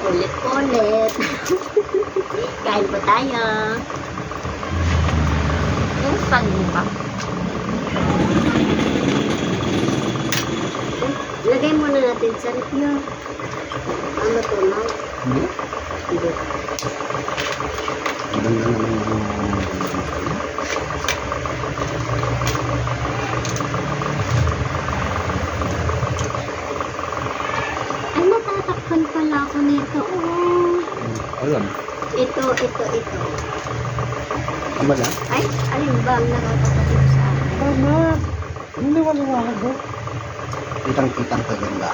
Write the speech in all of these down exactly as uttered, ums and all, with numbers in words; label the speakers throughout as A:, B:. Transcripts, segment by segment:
A: Ulit-ulit. Kain po tayo.
B: Yung stand mo pa.
A: Lagay muna natin sa rep yun. Ano to, no?
C: Hindi.
A: Hindi.
C: Ang ganda naman yung...
A: Ay, natatakpan pala ako nito. Oh.
C: Alam.
A: Ito, ito, ito.
C: Tama na?
A: Ay, alin ba ang nakakapatid sa akin?
C: Tama. Hindi wala ko. Kitang-kitang kaganda.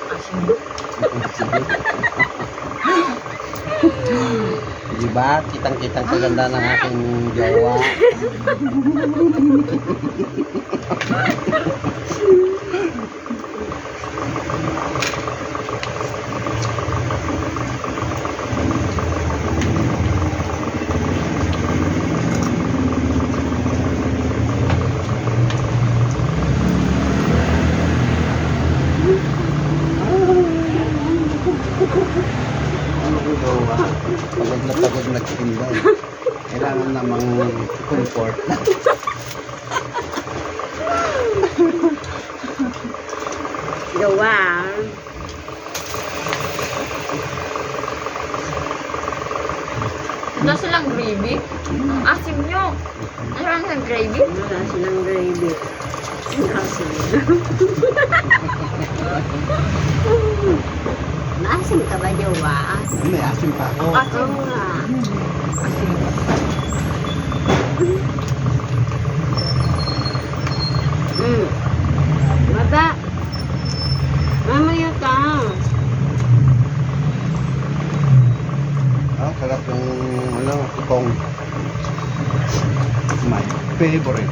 C: Diba? Kitang-kitang kaganda ng aking jowa. Ano yung jowa? Pagod na pagod nagtinda. Kailangan namang comfort.
A: Gawa.
B: Wala silang gravy. Ang asim nyo. Ano lang ng gravy?
A: Wala silang gravy. Naasim. Naasim ka ba, Jowa?
C: May asim pa ako.
A: Oo nga.
B: Asim.
A: Mm. Baba. Mamaya ka.
C: Ah, sarap yung ano, itong my favorite.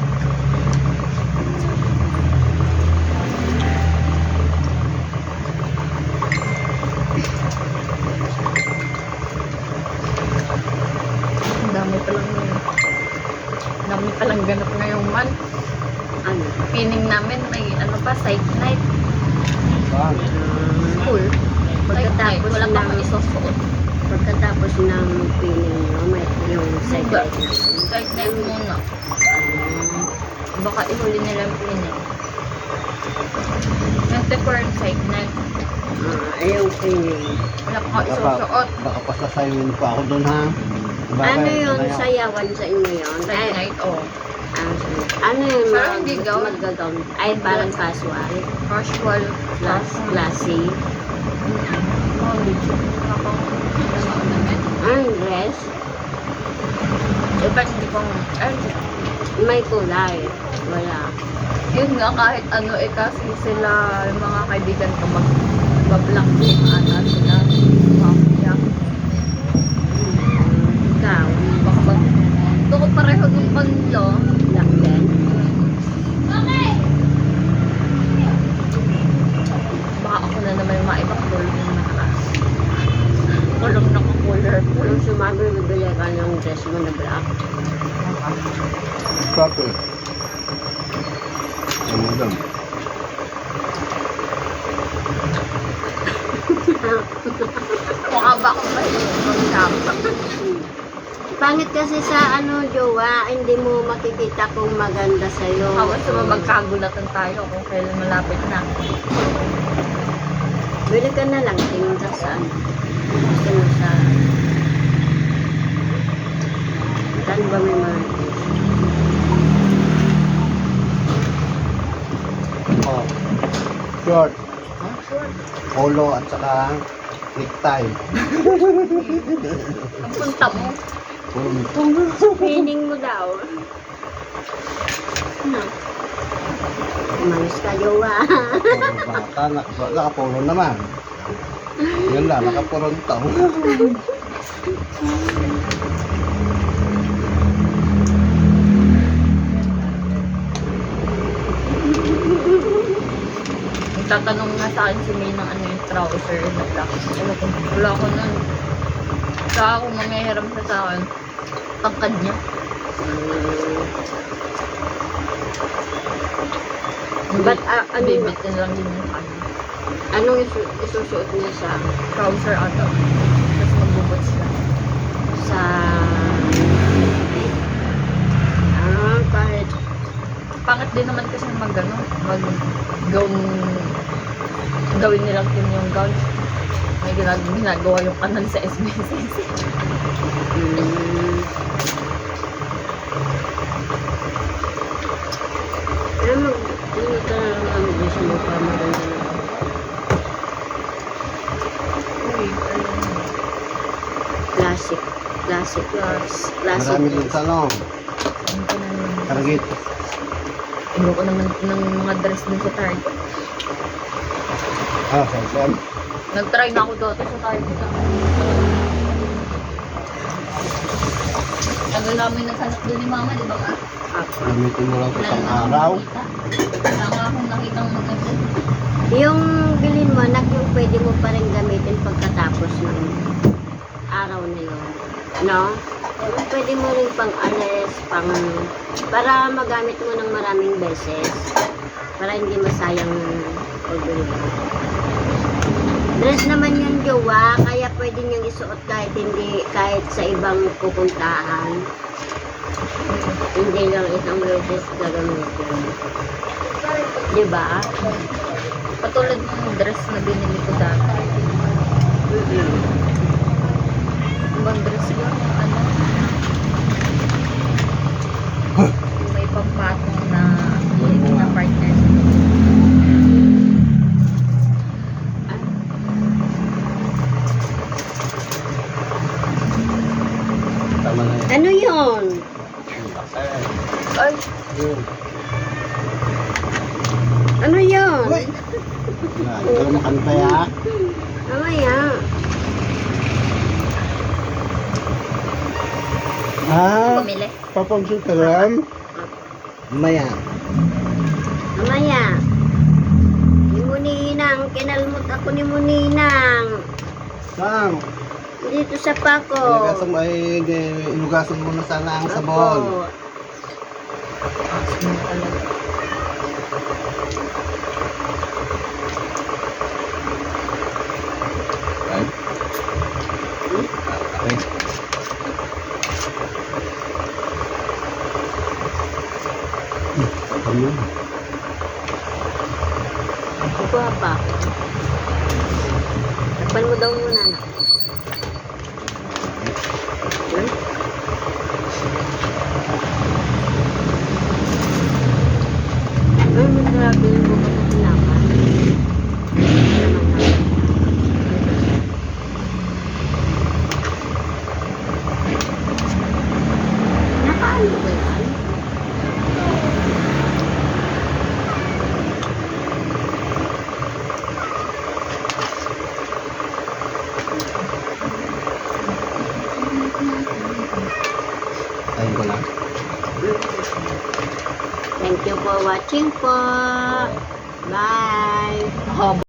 B: Ang dami palang ang dami palang ganap ngayong month.
A: Ano?
B: Pining namin may ano pa, psych night.
C: Ah,
B: School. Psych night.
A: Pagkatapos
B: Wala pa
A: ng,
B: kami isusuot.
A: pagkatapos ng piling, no, may yung
B: Diba?
A: second na.
B: Psych night muna.
A: Ah,
B: Baka ihuli nila ang pining. Nag-defer ang psych night.
A: ah, yung piling.
B: Wala pa kami isusuot.
C: baka pasasayawin pa ako doon ha. Bakit?
A: Ano yun,
C: Ano yan?
A: sayawan sa inyo yun?
B: Psych
A: Ay,
B: night, oh.
A: ah, ano yun,
B: Pero
A: mag-
B: hindi gown.
A: magagawn? Ay, parang casual.
B: Casual.
A: Class, classy.
B: Oh, dito. Ako.
A: Ang dress,
B: Eh, ba't hindi ko ay,
A: may kulay. Wala.
B: yun nga, kahit ano eh, kasi sila, yung mga kaibigan ko, mag, mag-black team ata sila. Mafia.
A: Ikaw,
B: Baka mag, ito ko pareho nung kanila.
A: black din.
B: Baka ako na naman yung maibang kulong yung naka, kulong naka-color.
A: Kung sumabi, bibili ka ng dress mo na black.
C: Bakit? Ano doon?
B: Mukha ba akong mahilig mag-shop?
A: Pangit kasi sa ano, jowa, hindi mo makikita kung maganda sa'yo.
B: Hawas naman magkagulatan tayo kung kailan malapit na.
A: Bili ka na lang, tingin ka sa ano. Gusto mo sa... Saan ba may mga...
C: Oh. Short,
B: Oh, sure.
C: polo at saka necktie.
B: Ang punta mo.
A: Feeling mo daw. Ano? Umalis ka, jowa.
C: Puro bata, naka- nakapolo naman. Yan lang, nakapuronto.
B: Tatanong nga sa akin si May ng ano yung trouser na black. Ano ko, wala ko nun. Saka ako mamihiram siya sa akin. Tangkad niya.
A: But, ah, ano,
B: Bibit na lang din yung kanya.
A: Anong isu isusuot niya sa
B: Trouser ata. Tapos magbubuts siya.
A: sa ah, kahit
B: Pangit din naman kasi mag ano, mag gown, gawin nilang team yung gown. May ginag ginagawa yung kanan sa S B S S.
A: mm, pero mag hindi ka naman mag sa mukha maganda na classic classic class classic
C: Marami din sa ano,
B: Saan ko na naman?
C: Target.
B: Ayoko naman ng mga dress din sa Target.
C: Ah, sa Sam.
B: Nag-try na ako dati sa Target. Tagal namin naghanap doon ni Mama, di ba ka?
C: Gamitin mo lang sa
B: Wala
C: isang
B: na akong
C: araw.
B: nakita. Wala nga akong nakitang maganda.
A: yung bilhin mo anak yung pwede mo pa rin gamitin pagkatapos ng araw na yun no yung pwede mo rin pang alis pang para magamit mo ng maraming beses para hindi masayang pagbili mo. Dress naman yung jowa, kaya pwede niyang isuot kahit hindi, kahit sa ibang pupuntahan. Hindi lang isang beses gagamitin. Di ba?
B: Katulad ng dress na binili ko dati. Ibang dress yun, yung ano. Yung may pampatong na na partner.
C: Tama na yan.
A: Ano yun?
B: Ay,
C: Yun.
A: Ano yun?
C: Uy! Na, ikaw makanta ya.
A: Mamaya.
C: Ah,
B: bumili.
C: papamsuteran. Maya.
A: Mamaya. Ni Muninang, kinalmot ako ni Muninang.
C: Sam,
A: Dito sa pako.
C: ilugasan mo ay ilugasan mo na sana ang sabon.
A: Opo.
B: Asin talaga.
C: Ay. Ay. Ano?
A: Kukuha pa. Takpan mo daw muna. Anak. Hmm? Ay, grabe yung bukas na pinakan. Nakaano ba yan?
C: Tayo ko lang.
A: Thank you for watching po. Bye.
B: Haba.